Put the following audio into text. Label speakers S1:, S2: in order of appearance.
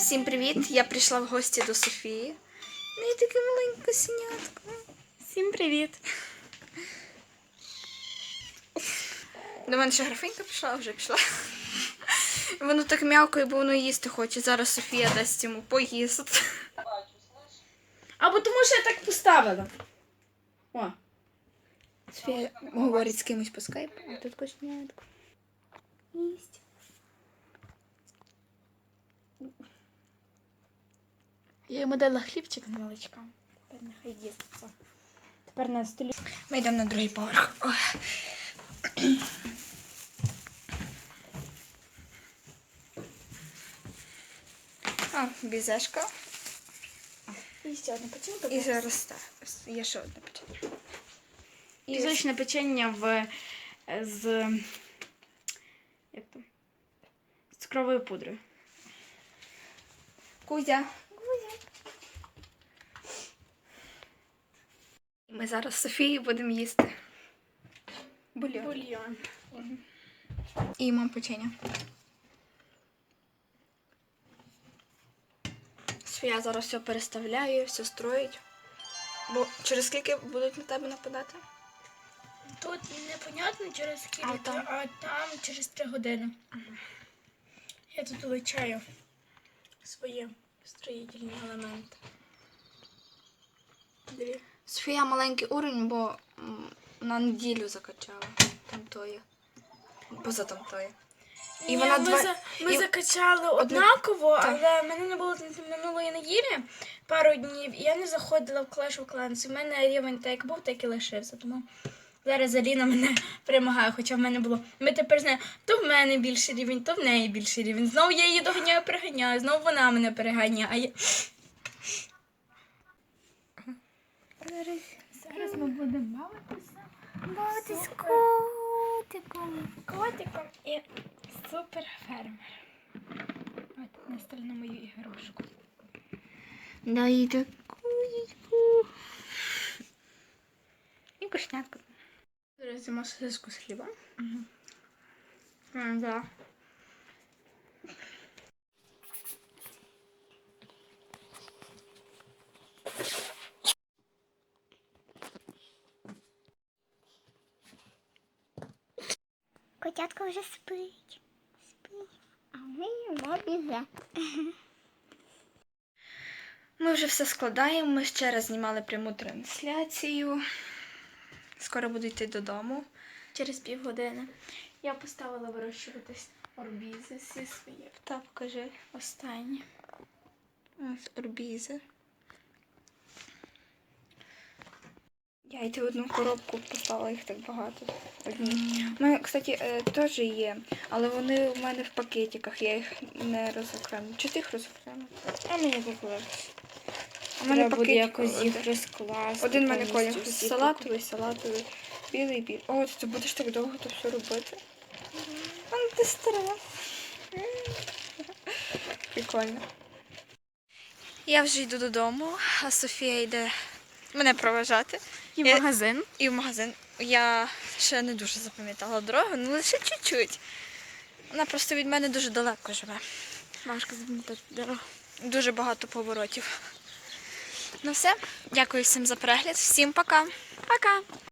S1: Всім привіт! Я прийшла в гості до Софії. Ну і таке маленьке синятко.
S2: Всім привіт!
S1: До мене ще графинька прийшла, вже пішла. Воно так м'явкає, бо воно їсти хоче. Зараз Софія дасть йому поїсти.
S2: Або тому, що я так поставила. О.
S1: Софія говорить з кимось по скайпу, а тут кошнятко. Їсть.
S2: Я йому дала хлібчик з молочком. Тепер нехай їсться. Тепер на столі.
S1: Ми йдемо на другий поверх. Ой. Бізешка.
S2: І ще одне печенька.
S1: І зараз так. Є ще одне печення.
S2: Пісочне печення як там? З цукровою пудрою.
S1: Кузя. Ми зараз з Софією будемо їсти бульйон. І мам печення. Софія зараз все переставляє, все строїть. Бо через скільки будуть на тебе нападати?
S2: Тут непонятно через скільки,
S1: А там?
S2: а там через 3 години. Я тут вивчаю свої строїтельні елементи. Дві.
S1: Софія маленький уровень, бо на неділю закачала. Там тої. Поза там тої.
S2: І ми закачали однаково, але в мене не було минулої неділі пару днів, і я не заходила в Clash of Clans. У мене рівень так як був, так і лишився. Тому зараз Аліна мене перемагає, хоча в мене було. Ми тепер знаємо, то в мене більший рівень, то в неї більший рівень. Знову я її доганяю, переганяю, знову вона мене переганяє. Зараз ми будемо бавитися.
S1: З котиком.
S2: Котиком і суперфермером. От, настали на мою ігрушку.
S1: Дай таку. І кошнятку.
S2: Зараз з'їмо сосиску з хлібом.
S1: Да.
S3: Котятко вже спить. А ми йому бізе.
S1: Ми вже все складаємо, ми ще раз знімали пряму трансляцію. Скоро буду йти додому.
S2: Через півгодини. Я поставила вирощуватись орбізи всі свої.
S1: Та, покажи.
S2: Останні.
S1: Ось орбізи. Я йти в одну коробку поставила, їх так багато. Одні. У мене, кстати, теж є, але вони в мене в пакетиках, я їх не розокремлю. Чи ти їх розокремив? А мені поклалось. У мене
S2: Треба буде
S1: пакетик
S2: якось їх
S1: один.
S2: розкласти.
S1: Один в мене колір
S2: повністю всі
S1: салатовий, білий. О, ти будеш так довго то все робити? А ти стара. Прикольно. Я вже йду додому, а Софія йде мене проважати.
S2: І в магазин.
S1: І в магазин. Я ще не дуже запам'ятала дорогу, але лише чуть-чуть. Вона просто від мене дуже далеко живе.
S2: Важко запам'ятати дорогу.
S1: Дуже багато поворотів. Ну все, дякую всім за перегляд. Всім пока.
S2: Пока!